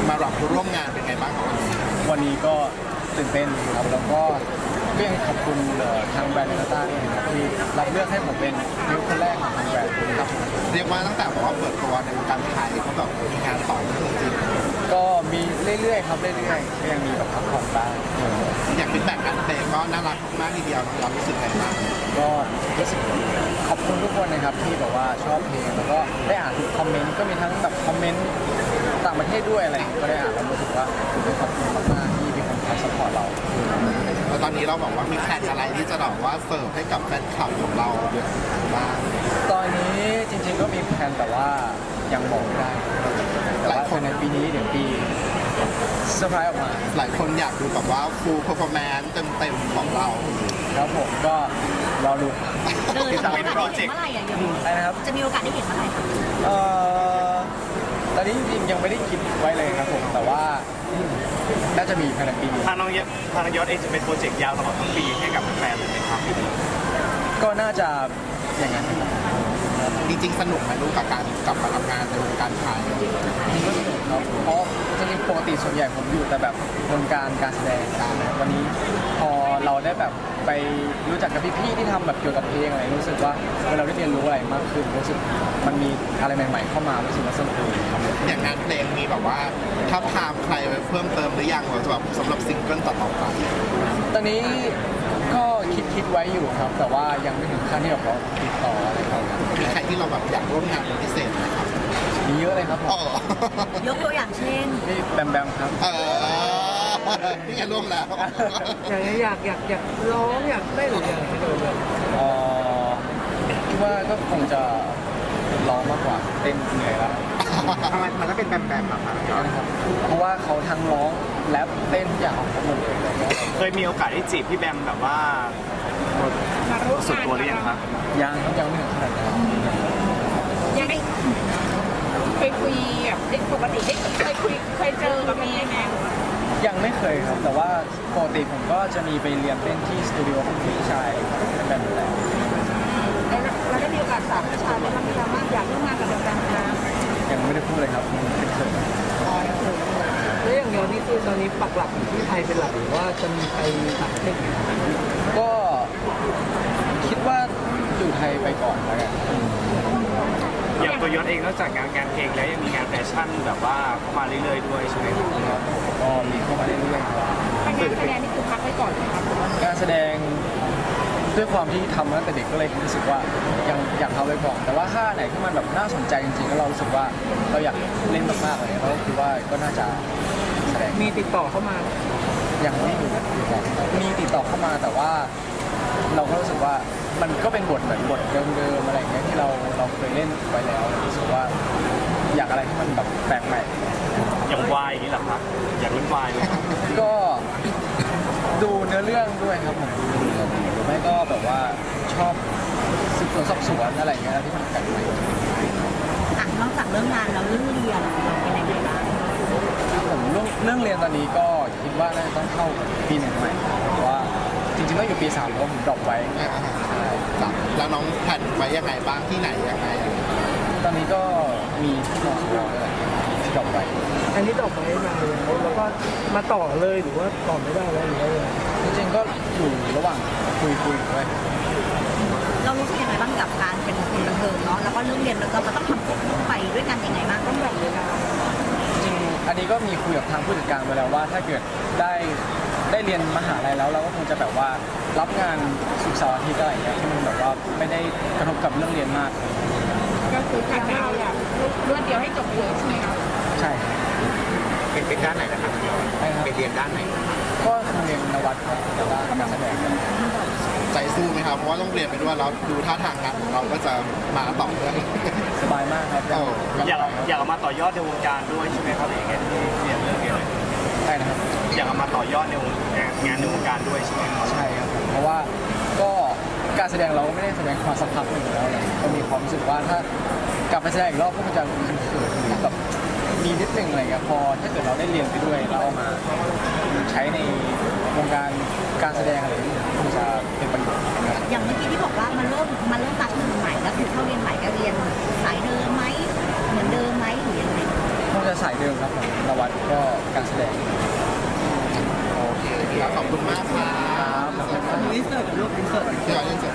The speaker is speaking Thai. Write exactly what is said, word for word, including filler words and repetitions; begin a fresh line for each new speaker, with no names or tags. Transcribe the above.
มารับร่วมงานเป็นไงบ้างครับ
วันนี้ก็ตื่นเต้นครับแล้วก็ก็ยังขอบคุณทางแบรนด์เนต้าด้วยนะครับที่รับเลือกให้ผมเป็นมิวคนแรกของทางแบรนด์ครับ
เรียกว่าตั้งแต่บอกว่าเปิดตัวในวงการไทยเขาแบบมีงานต่อเนื่องจริง
ก็มีเรื่อยๆครับเรื่อยๆก็ยังมีแบบพักผ่อนบ้าง
ๆอย่างฟีดแบ็กการเพลงก็น่ารักมากทีเดียวเรารู้สึกไงบ้าง
ก็รู้สึกขอบคุณทุกคนนะครับที่แบบว่าชอบเพลงแล้วก็ได้อ่านทุกคอมเมนต์ก็มีทั้งแบบคอมเมนต์ต่างประเทศด้วยอะไรอย่างเงี้ยก็ได้อ่านแล้วรู้สึกว่าขอบคุณมากๆที่มีคนคอยสปอร์ตเรา
แล้วตอนนี้เราบอกว่ามีแผนอะไรที่จะแบบว่าเสิร์ฟให้กับแฟนคลับของเราเยอะบ้าง
ตอนนี้จริงๆก็มีแผนแต่ว่ายังบอกไม่ได้แต่ว่าภายในปีนี้เดี๋ยวปีเซอร์ไพรส์ออกมา
หลายคนอยากดูแบบว่า full performance เต็มๆของเรา
ครับผมก็รอดู
เออจะมีโอกาสได้เห็นเมื่อไหร่อ่ะยัง
อะไรนะครับ
จะมีโอกาสได้เห็นเมื่อไหร่คะ
เอ่อตอนนี้จริงๆยังไม่ได้คิดไว้เลยครับผมแต่ว่าน่าจะมีภายในปีนี้
ทางน้องยศทางน้องยศเองจะเป็นโปรเจกต์ยาวตลอดทั้งปีให้กับแฟนเลยไหมครับ
ก็น่าจะอย่างนั้น
จริงๆสนุกไหมลูกกับการกลับมาทำงานในวงการไทย
ก็สนุกครับเพราะจริงๆปกติส่วนใหญ่ผมอยู่แต่แบบวงการการแสดงการวันนี้พอเราได้แบบไปรู้จักกับพี่ๆที่ทำแบบเกี่ยวกับเพลงอะไรรู้สึกว่าเวลาเราได้เรียนรู้อะไรมากขึ้นรู้สึกมันมีอะไรใหม่ๆเข้ามารู้สึกว่าสนุกดีครับ
อย่างงานเพลงมีแบบว่าถ้าพามใครไปเพิ่มเติมหรือยังหรือแบบสำหรับซิงเกิลต่อๆไป
ตอนนี้ก็คิดคิดไว้อยู่ครับ แต่ว่ายังไม่ถึงขั้นที่แบบว่าติดต่ออะไรเขา
มีใครที่เราแบบอยากร่วมงานเป็นพิเศษไหมครับ
มีเยอะเลยครับผม
อ๋อย
กตัวอย่างเช่น
นี่แบมแบมครับ
เออนี่ไงร่วมแล้ว
อยากอยากอยากอยากร้องอยากได้หรืออยากให้ดูแบบ
เอ่อคิดว่าก็คงจะร้องมากกว่าเต้นเหนื่อยแล้ว
ทำไมมันก็เป็นแบมแบมแบบนั้น
นะครับเพราะว่าเขาทั้งร้องแรปเต้นทุกอย่างของเขาหมดเลยอะไรเงี้ย
เคยมีโอกาสได้จีบพี่แบมแบบว่าสุดตัวหรือยังครับ
ยังครับยังไม่ถึงขนาดนั้น
ยังได้เคยคุยแบบได้ปกติได้เคยคุยเคยเจอกับมีแม่
ยังไม่เคยครับ แต่ว่าปกติผมก็จะมีไปเรียนเต้นที่สตูดิโอของพี่ชายเป็นแบบอยู่แล้ว
แล้วเราได้มีโอกาสถามพี่ชายไหมว่าพี่ว่าอยากร่วมงานกับแบมนะ
ยังไม่ได้พูดเลยครับเป็นเขิน
แล้วอย่างเดียวนี่คือตอนนี้ปักหลักอยู่ที่ไทยเป็นหลักหรือว่าจะมีไปต่างประเทศอีกไหม
ก็คิดว่าอยู่ไทยไปก่อนแล้วกัน
อย่างตัวยศเองนอกจากงานงานเพลงแล้วยังมีงานแฟชั่นแบบว่าเข้ามาเรื่อยๆด้วยใช่ไหมครับ
ครับก็มีเข้ามาเรื่อยๆครับ
ถ้างานแสดงนี่คือพักไว้ก่อนนะครับ
การแสดงด้วยความที่ทำมาตั้งแต่เด็กก็เลยรู้สึกว่ายังอยากทำไว้ก่อน แต่ว่าถ้าไหนที่มันแบบน่าสนใจจริงๆแล้วเรารู้สึกว่าเราอยากเล่นมากๆเลยเราก็คิดว่าก็น่าจะแสดง
มีติดต่อเข้ามา
ยังไม่มีติดต่อมีติดต่อเข้ามาแต่ว่าเราก็รู้สึกว่ามันก็เป็นบทเหมือนบทเดิมๆอะไรอย่างเงี้ยที่เราเราเคยเล่นไว้แล้วรู้สึกว่าอยากอะไรที่มันแบบแปลกใหม่
อย่างวายอย่างนี้เหรอครับอยากเล่นวายไหมครับ
ก็ดูเนื้อเรื่องด้วยครับผมดูเรื่องหรือไม่ก็แบบว่าชอบสืบสวนสอบสวนอะไรอย่างเงี้ยที่มันแปลกใหม่
อ่ะนอกจากเรื่องงานแล้วเรื่องเรียนเราเป็นยังไงบ้าง
ผมเรื่องเรื่องเรียนตอนนี้ก็คิดว่าน่าจะต้องเข้าปีหนึ่งใหม่เพราะว่าจริงๆก็อยู่ปีสามเพราะผมดรอปไว้
อ่าจ้ะแล้วน้องแผนไว้ยังไงบ้างที่ไหนยังไง
ตอนนี้ก็มีที่มอสวอะไรอย่างเงี้ยที่ดรอปไว้
อันนี้ต่อไปมาเลยแล้วก็มาต่อเลยหรือว่าต่อไม่ได้แล้วหรือว่ายังไง
จริงๆก็อยู่ระหว่างคุยคุยด้วย
เรารู้สึกยังไงบ้างกับการเป็นคนบันเทิงเนาะแล้วก็เรื่องเรียนแล้วก็มันต้องทำควบคู่ไปด้วยกันยังไงบ้างต้องแบ่งเวลา
จริงๆอันนี้ก็มีคุยกับทางผู้จัดการไปแล้วว่า ถ้าเกิดได้ได้เรียนมหาลัยแล้วเราก็คงจะแบบว่ารับงานศุกร์เสาร์อาทิตย์อะไรอย่างเงี้ยที่มันแบบว่าไม่ได้กระทบกับเรื่องเรียนมาก
ก็คือทำให้เราอยากรวดเดียวให้จบเลยใช่ไหมครับ
ใช่ครับ
เป็นเป็นด้านไหนนะครับ
ใช่ครับ
ไปเรียนด้านไหน
ก็คือเรียนนวัตครับแต่ว่าการแสดง
ใจสู้ไหมครับเพราะว่าต้องเรียนไปด้วยแล้วดูท่าทางงานของเราก็จะมาต่อเนื่อง
สบายมากครับ
เออ
อยากอยากเอามาต่อยอดในวงการด้วยใช่ไหมครับอย่างเงี้ยที่เรียนเรื่องเรียนอะไร
ใช่นะครับ
อยากเอามาต่อยอดในวงการงานในวงการด้วยใช่ไหมครับ
ใช่ครับผมเพราะว่าก็การแสดงเราก็ไม่ได้แสดงมาสักพักหนึ่งแล้วเลยก็มีความรู้สึกว่าถ้ากลับไปแสดงอีกรอบก็คงจะเขินๆหรือแบบมีนิดนึงอะไรเงี้ยพอถ้าเกิดเราได้เรียนไปด้วยแล้วเอามาใช้ในวงการการแสดงอะไรอย่างเงี้ยคงจะเป็นประโยชน์นะครับ
อย่างเมื่อกี้ที่บอกว่ามันเริ่มมันเริ่มตัดหนึ่งใหม่แล้วคือเข้าเรียนใหม่ก็เรียนสายเดิมไหมเหมือนเดิมไหมหรือยังไง
คงจะสายเดิมครับผมนวัดก็แหละ
โอเคแล้วขอบคุณมากครับ
ครับ
อินเสิร์ตกับลูกอินเสิร์ต
เดี๋ยวยังจะ